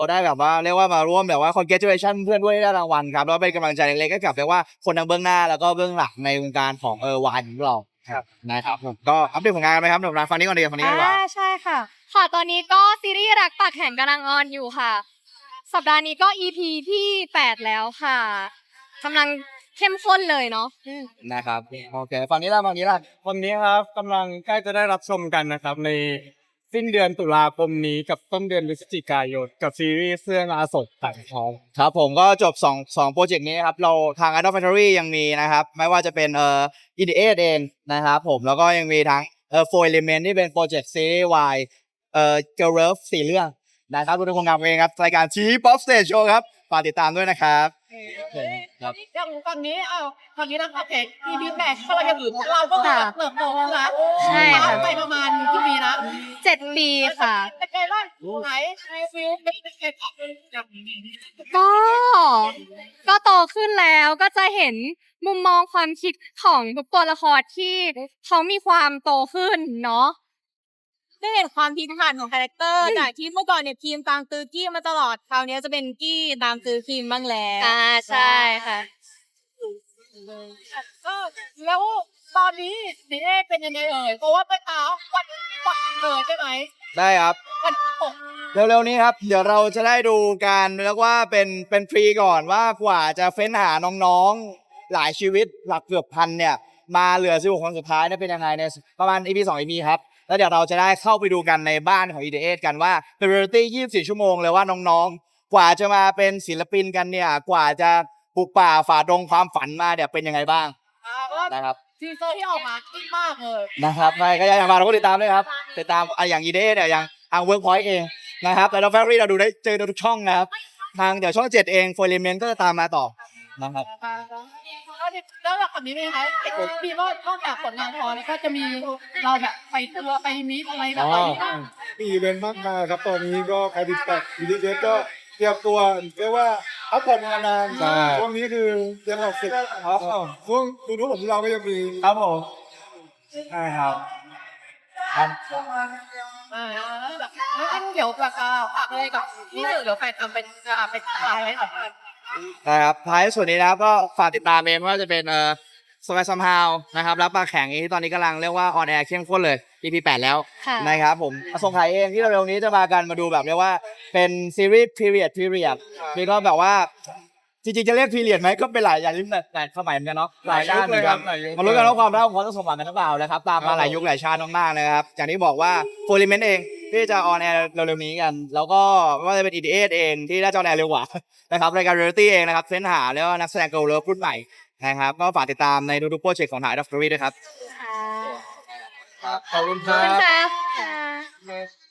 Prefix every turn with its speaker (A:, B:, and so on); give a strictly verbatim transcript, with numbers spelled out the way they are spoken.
A: เราได้แบบว่าเรียกว่ามาร่วมแบบว่า congratulation เพื่อนด้วยได้รางวัลครับแล้วเป็นกำลังใจเล็กๆให้กับเรียกว่าคนทั้งเบื้องหน้าแล้วก็เบื้องหลังในวงการของเออวายของเราครับนะครับผมก็อัปเดตผลงานไหมครับหนุ่มรักฟังนี้ก่อนดีฟังนี้ก่อนดีกว่า
B: อ่าใช่ค่ะค่ะตอนนี้ก็ซีรีส์รักปากแข็งกำลังออนอยู่ค่ะ สัปดาห์นี้ก็ อี พี ที่แปดแล้วค่ะกำลังเข้มข้นเลยเนาะอืม
A: นะครับโอเคฝั่งนี้ล่ะฝั่งนี้ล่ะ
C: วันนี้ครับกำลังใกล้จะได้รับชมกันนะครับในสิ้นเดือนตุลาคมนี้กับต้นเดือนพฤศจิกายนกับซีรีส์เรื่องอาสดต่างทอง
A: ครับผมก็จบสอง สองโปรเจกต์นี้ครับเราทาง Idol Factory ยังมีนะครับไม่ว่าจะเป็นเอ่อ อี ดี เอ เองนะครับผมแล้วก็ยังมีทั้งเอ่อ Four Element ที่เป็นโปรเจกต์ซีรีส์วายเอ่อ Girl Love สี่เรื่องนะครับทุกคนงานเองครับรายการ G-Pop Stage Show ครับฝากติดตามด้วยนะครับครับ
D: อย่างฝั่งนี้อ้าวฝั่งนี้นะครับเอก อี พี แปดก็เราจะถือเราก็แบบเติบโตแล้วนะ
B: ใช่ค่ะ
D: ไปประมาณกี่ปีนะ
B: เจ็ดปีค่ะ
D: เป็นไงบ้างไหนไอฟิลเป็นไง
B: ก็ ก็โตขึ้นแล้วก็จะเห็นมุมมองความคิดของทุกตัวละครที่เขามีความโตขึ้นเนาะ
E: ได้เห็นความพลิกผันของคาแรคเตอร์จากที่เมื่อก่อนเนี่ยทีมตามตือกี้มาตลอดคราวนี้จะเป็นกี้ตามตือคิมบ้างแล้ว
B: อ่าใช่ค่ะ
D: ก็แล้วตอนนี้ดีเอเป็นยังไงเอ่ยเพราะว่าไปเท้าวันวันเกิดใช่ไหม
A: ได้ครับ
D: วันตก
A: เร็วๆนี้ครับเดี๋ยวเราจะได้ดูการเรียกว่าเป็นเป็นฟรีก่อนว่ากว่าจะเฟ้นหาน้องๆหลายชีวิตหลักเกือบพันเนี่ยมาเหลือสิบหกคนสุดท้ายเนี่ยเป็นยังไงในประมาณ อี พี สอง อี พี ครับแล้วเดี๋ยวเราจะได้เข้าไปดูกันในบ้านของ อี ดี เอ กันว่าเป็นเรียลลิตี้ยี่สิบสี่ชั่วโมงเลยว่าน้องๆ กว่าจะมาเป็นศิลปินกันเนี่ยกว่าจะปลูกป่าฝ่าดงความฝันมาเนี่ยเป็นยังไงบ้าง
D: อ่าก็
A: นะครับ
D: ทีเซอร์ที่ออกมาคิดมากเลย
A: นะครับใช่ก็อยากมาเราก็ติดตามด้วยครับติดตามอ่ะอย่าง อี ดี เอ เนี่ยอย่างทาง Workpoint เองนะครับแต่เราแฟรี่เราดูได้เจอทุกช่องนะครับทางเดี๋ยวช่องเจ็ดเอง Four Element ก็จะตามมาต่อนะครับ
D: แล้วแบบนี้ไหมคะมีว่านอกจากผลงานพอแล้วก็จะมีเราแบบไปทัวร์ไปมีอะไรแบบนี้บ้าง
C: มีอีเวนต์มากมายครับตอนนี้ก็ใครติดตามอีดีเจก็เตรียมตัวเรียกว่าพักผ่อนมานานช่วงนี้คือเตรียมออกศึกช่วงดูนู้นผมเราก็ยังมี
A: ครับผมใช่ครับ
D: อ่าแบบงั้นเดี๋ยวแบบฝากอะไรกับนี่เดี๋ยวแฟนทำเป็นเป็นอะไรไว้หน่อย
A: นะครับท้ายสุดนี้นะครับก็ฝากติดตามเองไม่ว่าจะเป็นเอ่อสมัยซัมฮาวนะครับรับปลาแข็งที่ตอนนี้กำลังเรียกว่าออนแอร์เข้มข้นเลย อี พี แปดแล้ว
B: ค่ะ
A: นะครับผมอสงไขยเองที่เร็วๆนี้จะมากันมาดูแบบเรียกว่าเป็นซีรีส์พีเรียดพีเรียดมีก็แบบว่าจริงๆจะเรียกพีเรียดไหมก็เป็นหลายอย่างหลายสมัยเหมือนกันเนาะหลายชาติเหมือนกันมาลุ้นกันว่าความรักของเขาจะสมหวังกันหรือเปล่านะครับตามมาหลายยุคหลายชาติมากๆนะครับอย่างที่บอกว่าโฟลิเมนต์เองที่จะออนแอร์เร็วๆนี้กัน แล้วก็ไม่ว่าจะเป็น อี ดี เอ เองที่น่าจะออนแอร์เร็วกว่า นะครับรายการเรียลลิตี้เองนะครับเฟ้นหาแล้วก็นักแสดงเกิร์ลเลิฟรุ่นใหม่นะครับก็ฝากติดตามในทุกๆโปรเจกต์ของถ่ายดัฟเฟอรี่ด้วยครับ
B: ค่ะ
C: ขอบคุณค
B: ขอบ
C: รั
B: คุณ
C: บ
B: ค่ะ